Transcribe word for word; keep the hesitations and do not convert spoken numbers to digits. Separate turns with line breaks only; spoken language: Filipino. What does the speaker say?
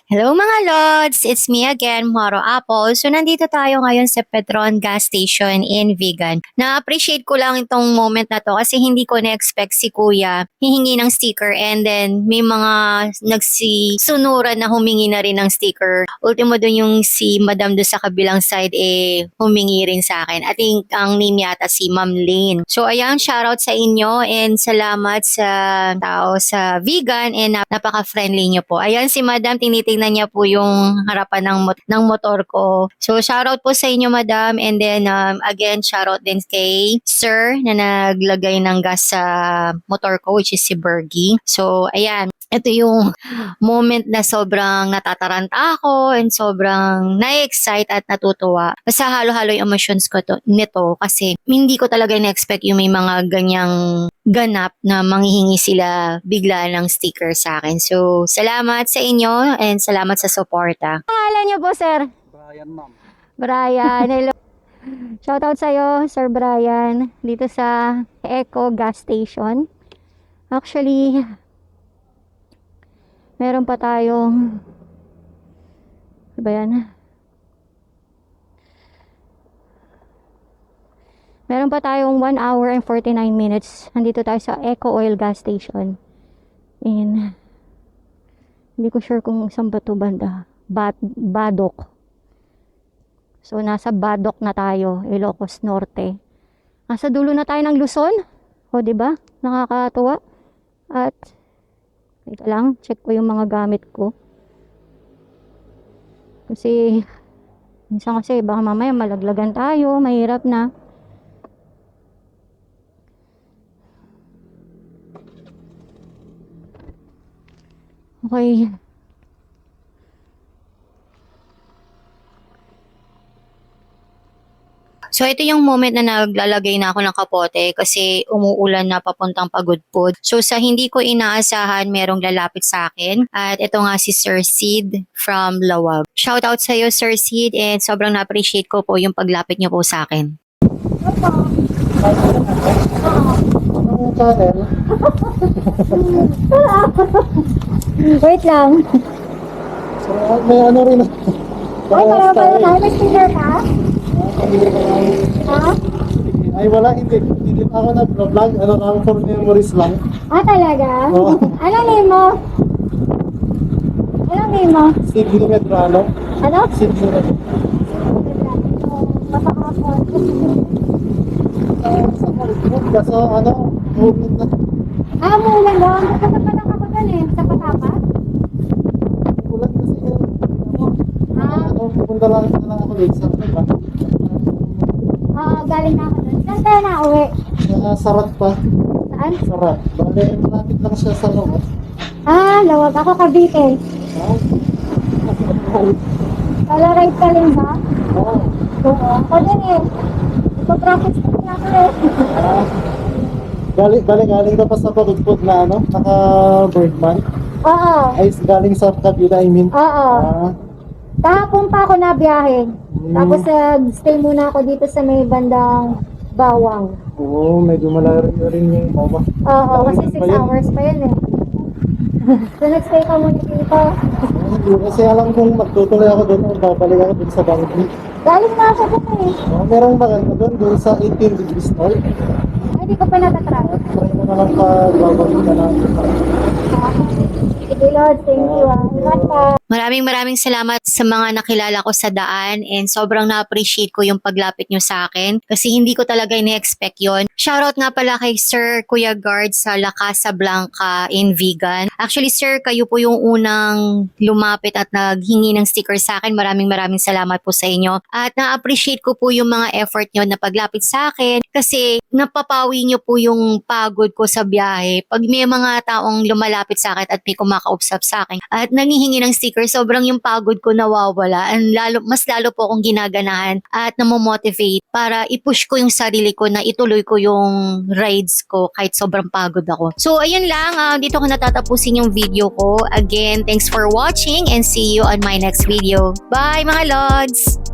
Hello mga Lods! It's me again, Moro Apple. So nandito tayo ngayon sa Petron Gas Station in Vigan. Na-appreciate ko lang itong moment na to kasi hindi ko na-expect si Kuya hihingi ng sticker and then may mga nagsisunuran na humingi na rin ng sticker. Ultimo dun yung si Madam do sa kabilang side eh humingi rin sa akin. I think ang name yata si Ma'am Lane. So ayan, shoutout sa inyo and salamat sa tao sa Vigan and nap- napaka-friendly nyo po. Ayan si Madam, tinitingnan niya po yung harapan ng, mot- ng motor ko. So, shoutout po sa inyo, Madam. And then, um, again, shoutout din kay Sir na naglagay ng gas sa motor ko, which is si Bergie. So, ayan. Ito yung moment na sobrang natataranta ako and sobrang na-excite at natutuwa. Basta halo-halo yung emotions ko to, nito kasi hindi ko talaga na-expect yung may mga ganyang ganap na manghihingi sila bigla ng sticker sa akin. So, salamat sa inyo and salamat sa suporta.
Pangalan niyo po, sir?
Brian, ma'am.
Brian, hello. Shoutout sa'yo, Sir Brian, dito sa Eco Gas Station. Actually, meron pa tayong, ano ba yan? Meron pa tayong one hour and forty-nine minutes. Nandito tayo sa Eco Oil Gas Station. And, hindi ko sure kung saan ba ito banda. Bad, Badok. So, nasa Badok na tayo, Ilocos Norte. Nasa dulo na tayo ng Luzon. O, diba? Nakakatuwa. At, ito lang, check ko yung mga gamit ko. Kasi, minsan kasi, baka mamaya malaglagan tayo, mahirap na. Okay.
So, ito yung moment na naglalagay na ako ng kapote kasi umuulan na papuntang Pagudpud. So, sa hindi ko inaasahan, merong lalapit sa akin. At ito nga si Sir Sid from Lawag. Shoutout sa iyo, Sir Sid, and sobrang na-appreciate ko po yung paglapit niyo po sa akin.
Anong channel?
Wait lang.
So, may ano rin.
Ay, para pala tayo. May sticker ka? Ha?
Ay, wala. Hindi. Hindi pa ako nag-vlog. Ano lang, for memories lang.
Ah, talaga?
Oo.
Anong name mo? Anong name mo?
Sidney Medrano.
Ano?
Sidney Medrano.
Mapakapon.
Sa Hollywood. Kaso, ano, movement na.
Ah, muulan ba? Magkata pa lang ako dun eh. Sa Patapa?
Ulan kasi yun.
Ah,
Ano, pupunta lang na lang ako dito sa diba?
oo, galing na ako dun. Saan tayo na uwi?
Sa Sarat pa.
Saan?
Sarat. Bale, malapit lang siya sa loob.
Ah, Lawag. Ako Cavite.
Ah.
Kala ride ka rin ba?
Oo.
Oo. Ako din eh. Ipapractice ko na ako eh.
Ah. Galing, galing, galing ka pa sa Pagudpud na ano, naka-Birdman.
Oo.
Ay, galing sa kabila, I mean.
Oo.
Ah,
Kahapon pa ako nabiyahe.
Hmm.
Tapos nag-stay muna ako dito sa may bandang Bawang.
oo, medyo malayo rin yung mama.
Oo, kasi
Malayo
six
pa yun.
hours pa yun eh. So nag-stay ka muna dito.
Hindi kasi alam kong magtutuloy ako doon, babalik ako doon sa Bangkok.
Galing na ako dito eh.
Oh, merong maganda doon, doon sa eighteen degrees north.
Ay, di ko pa natatry.
Try mo na lang pa babalik ka na.
Sige Lord, thank you ah. Ingat ka.
Maraming maraming salamat sa mga nakilala ko sa daan and sobrang na-appreciate ko yung paglapit nyo sa akin kasi hindi ko talaga ina-expect yon. Shoutout nga pala kay Sir Kuya Guard sa La Casa Blanca in Vigan. Actually Sir, kayo po yung unang lumapit at naghingi ng sticker sa akin. Maraming maraming salamat po sa inyo. At na-appreciate ko po yung mga effort nyo na paglapit sa akin kasi napapawi nyo po yung pagod ko sa biyahe. Pag may mga taong lumalapit sa akin at may kumakausap sa akin at nangihingi ng sticker, sobrang yung pagod ko nawawala. And lalo, mas lalo po akong ginaganahan at namomotivate para i-push ko yung sarili ko na ituloy ko yung rides ko kahit sobrang pagod ako. So, ayun lang. Uh, dito ko natatapusin yung video ko. Again, thanks for watching and see you on my next video. Bye mga Lods!